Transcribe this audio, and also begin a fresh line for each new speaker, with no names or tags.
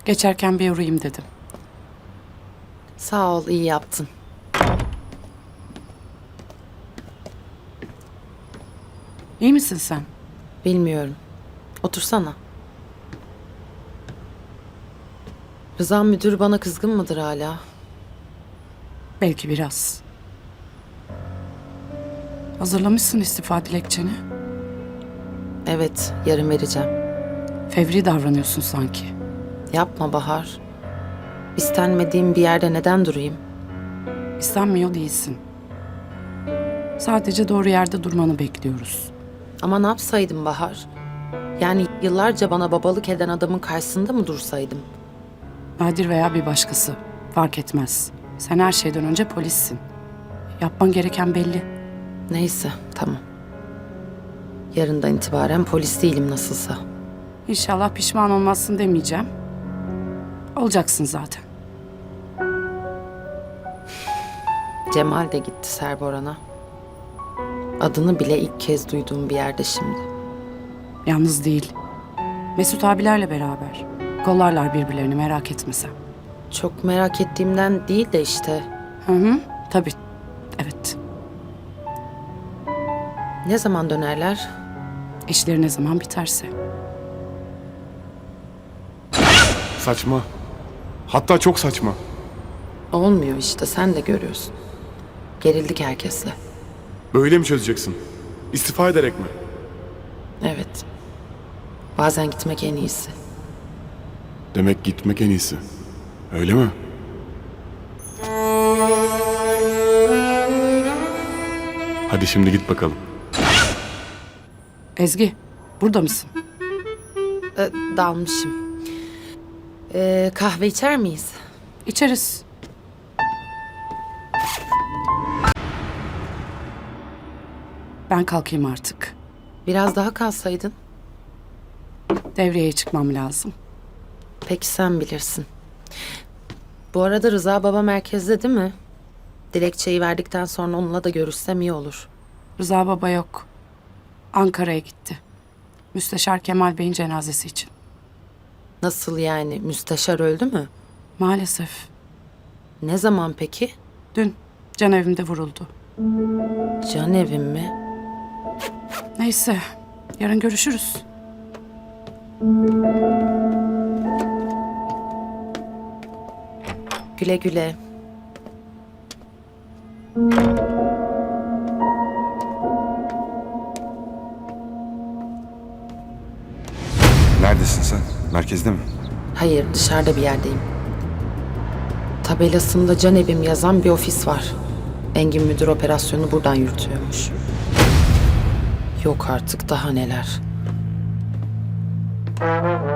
Geçerken bir uğrayayım dedim.
Sağ ol, iyi yaptın.
İyi misin sen?
Bilmiyorum. Otursana. Rıza müdür bana kızgın mıdır hala?
Belki biraz. Hazırlamışsın istifa dilekçeni.
Evet, yarın vereceğim.
Fevri davranıyorsun sanki.
Yapma Bahar. İstenmediğim bir yerde neden durayım?
İstenmiyor değilsin. Sadece doğru yerde durmanı bekliyoruz.
Ama ne yapsaydım Bahar? Yani yıllarca bana babalık eden adamın karşısında mı dursaydım?
Nadir veya bir başkası. Fark etmez. Sen her şeyden önce polissin. Yapman gereken belli.
Neyse, tamam. Yarından itibaren polis değilim nasılsa.
İnşallah pişman olmazsın demeyeceğim. Olacaksın zaten.
Cemal de gitti Serboran'a. Adını bile ilk kez duyduğum bir yerde şimdi.
Yalnız değil. Mesut abilerle beraber. Kollarlar birbirlerini, merak etme sen.
Çok merak ettiğimden değil de işte.
Hı hı, tabii. Evet.
Ne zaman dönerler?
İşleri ne zaman biterse.
Saçma. Hatta çok saçma.
Olmuyor işte, sen de görüyorsun. Gerildik herkesle.
Böyle mi çözeceksin? İstifa ederek mi?
Evet. Bazen gitmek en iyisi.
Demek gitmek en iyisi. Öyle mi? Hadi şimdi git bakalım.
Ezgi, burada mısın?
Dalmışım. Kahve içer miyiz?
İçeriz. Ben kalkayım artık.
Biraz daha kalsaydın.
Devreye çıkmam lazım.
Peki sen bilirsin. Bu arada Rıza baba merkezde değil mi? Dilekçeyi verdikten sonra onunla da görüşsem iyi olur.
Rıza baba yok. Ankara'ya gitti. Müsteşar Kemal Bey'in cenazesi için.
Nasıl yani? Müsteşar öldü mü?
Maalesef.
Ne zaman peki?
Dün can evimde vuruldu.
Can evim mi?
Neyse, yarın görüşürüz.
Güle güle.
Neredesin sen? Merkezde mi?
Hayır, dışarıda bir yerdeyim. Tabelasında can evim yazan bir ofis var. Engin müdür operasyonu buradan yürütüyormuş. Yok artık, daha neler.